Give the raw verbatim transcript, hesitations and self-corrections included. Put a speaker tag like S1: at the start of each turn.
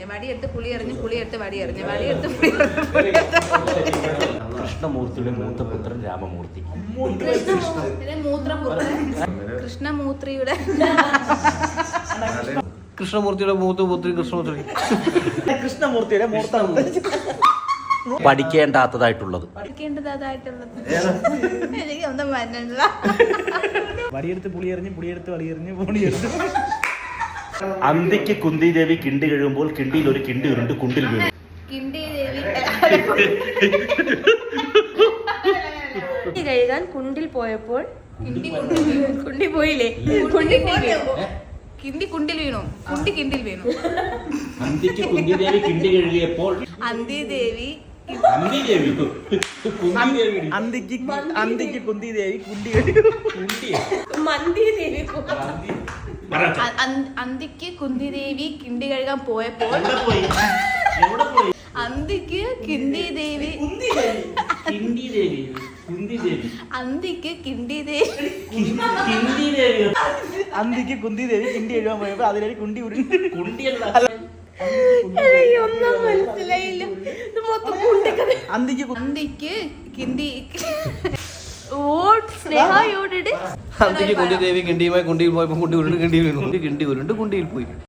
S1: വടിയെടുത്ത് പുളി എറിഞ്ഞ് പുളിയെടുത്ത് വടി എറിഞ്ഞ് വടിയെടുത്ത് പുളി
S2: കൃഷ്ണമൂർത്തിയുടെ മൂത്തപുത്രൻ രാമമൂർത്തി.
S1: കൃഷ്ണമൂർത്തിയുടെ മൂത്രപുത്രൻ കൃഷ്ണമൂർത്തിയുടെ
S3: കൃഷ്ണമൂർത്തിയുടെ മൂത്തപുത്രി കൃഷ്ണമൂർത്തി കൃഷ്ണമൂർത്തിയുടെ മൂത്ത
S2: പഠിക്കേണ്ടാത്തതായിട്ടുള്ളത്
S1: പഠിക്കേണ്ടതായിട്ടുള്ളത് എനിക്ക് ഒന്നും മനസ്സില്ല.
S3: വടിയെടുത്ത് പുളിയെറിഞ്ഞ് പുളിയെടുത്ത് വടിയെറിഞ്ഞ് പുളിയെടുത്ത്
S2: അന്തിക്ക് കുന്തി ദേവി കിണ്ടി കഴിയുമ്പോൾ കിണ്ടിയിൽ ഒരു കിണ്ടി ഉരുണ്ട് കുണ്ടിൽ വീണു.
S1: കിണ്ടി ദേവി
S4: കഴുകാൻ കുണ്ടിൽ പോയപ്പോൾ
S1: കുണ്ടി പോയില്ലേ കുണ്ടി കിണ്ടി കുണ്ടിൽ വീണു കുണ്ടി കിണ്ടിൽ വീണു.
S2: അന്തിക്ക് കുന്തി ദേവി കിണ്ടി കഴുകിയപ്പോൾ
S1: അന്തി ദേവി
S2: അന്തി ദേവി
S3: അന്തിക്ക് അന്തിക്ക് കുന്തി ദേവി കുണ്ടി
S4: മന്തി ദേവി
S1: അന്തിക്ക് കുന്തി ദേവി കിണ്ടി കഴുകാൻ പോയപ്പോൾ അന്തിക്ക് കിണ്ടി ദേവി
S2: കിണ്ടി ദേവി കുന്തി ദേവി
S1: അന്തിക്ക് കിണ്ടി ദേവി
S2: കിണ്ടി ദേവി
S3: അന്തിക്ക് കുന്തി ദേവി കിണ്ടി എഴുതാൻ പോയപ്പോ അതിലൊരു കുണ്ടി ഉരുണ്ട്
S2: കുണ്ടിയല്ല
S4: ഒന്നും മനസ്സിലായില്ല. ഇത് മൊത്തം കുണ്ടിക്കഥ.
S3: അന്തിക്ക്
S1: അന്തിക്ക് കിണ്ടി ഓട് സ്നേഹയോടെ
S3: അന്തിക്ക് കുന്തി ദേവി കിണ്ടിയുമായി കുണ്ടിയിൽ പോയപ്പോ കുണ്ടി ഉരുണ്ട് കിണ്ടിയിൽ വീണു. കിണ്ടി ഉരുണ്ട് കുണ്ടിയിൽ പോയി.